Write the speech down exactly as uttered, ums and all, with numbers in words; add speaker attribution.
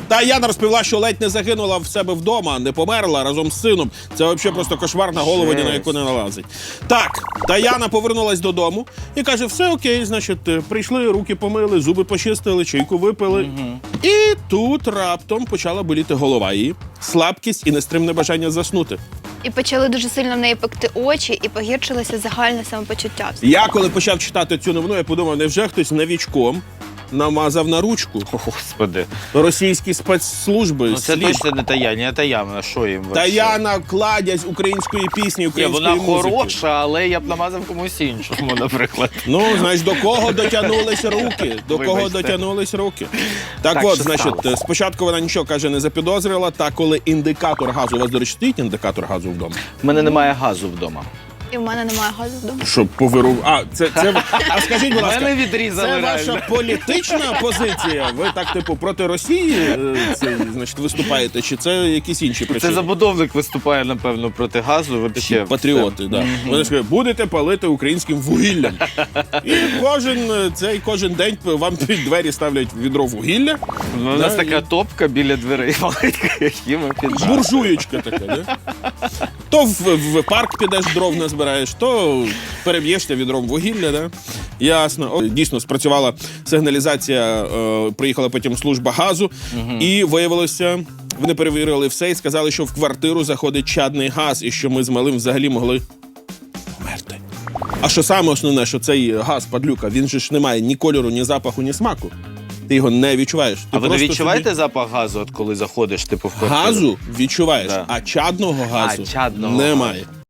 Speaker 1: Та Яна розповіла, що ледь не загинула в себе вдома, не померла разом з сином. Це взагалі просто кошмар, на голову ні на яку не налазить. Так, Таяна повернулась додому і каже, все окей, значить, прийшли, руки помили, зуби почистили, чайку випили. Угу. І тут раптом почала боліти голова її, слабкість і нестримне бажання заснути.
Speaker 2: І почали дуже сильно в неї пекти очі, і погіршилося загальне самопочуття.
Speaker 1: Я, коли почав читати цю новину, я подумав, невже хтось новічком намазав на ручку?
Speaker 3: О, Господи.
Speaker 1: Російські спецслужби.
Speaker 3: Ну, це
Speaker 1: слід.
Speaker 3: точно не Таяна, а Таяна, що їм?
Speaker 1: Таяна – кладязь української пісні,
Speaker 3: Ні,
Speaker 1: української
Speaker 3: вона
Speaker 1: музики.
Speaker 3: хороша, але я б намазав комусь іншому, наприклад.
Speaker 1: Ну, знаєш, до кого дотягнулись руки? До кого
Speaker 3: Вибачте.
Speaker 1: дотягнулись руки? Так,
Speaker 3: Так,
Speaker 1: от,
Speaker 3: що
Speaker 1: значить,
Speaker 3: сталося?
Speaker 1: спочатку вона нічого, каже, не запідозрила, та коли індикатор газу, у вас, до речі, стоїть індикатор газу вдома?
Speaker 3: У мене немає газу вдома.
Speaker 2: І в мене немає газу вдома.
Speaker 1: Щоб повиру... А, це, це... А скажіть, будь ласка,
Speaker 3: Мене відрізали
Speaker 1: це
Speaker 3: реально.
Speaker 1: ваша політична позиція? Ви так, типу, проти Росії е, це, значить, виступаєте? Чи це якісь інші причини?
Speaker 3: Це забудовник виступає, напевно, проти газу. Ви таке
Speaker 1: Патріоти, так. Да. Вони ж кажуть, будете палити українським вугіллям. І кожен, е, цей, кожен день вам під двері ставлять відро вугілля.
Speaker 3: Ну, у нас
Speaker 1: Да,
Speaker 3: така
Speaker 1: і-
Speaker 3: топка біля дверей маленька, які ми піджали.
Speaker 1: Буржуєчка така, да? То в, в парк підеш, дров назбираєш, то переб'єшся відром вугілля, да? Ясно. О, дійсно, спрацювала сигналізація, е, приїхала потім служба газу, і виявилося, вони перевірили все і сказали, що в квартиру заходить чадний газ, і що ми з малим взагалі могли померти. А що саме основне, що цей газ, падлюка, він же ж не має ні кольору, ні запаху, ні смаку. Ти його не відчуваєш. Ти
Speaker 3: А ви не
Speaker 1: просто
Speaker 3: відчуваєте
Speaker 1: собі...
Speaker 3: запах газу, от коли заходиш, типу, в квартиру?
Speaker 1: Газу відчуваєш,
Speaker 3: Да.
Speaker 1: а чадного газу
Speaker 3: А, чадного
Speaker 1: немає.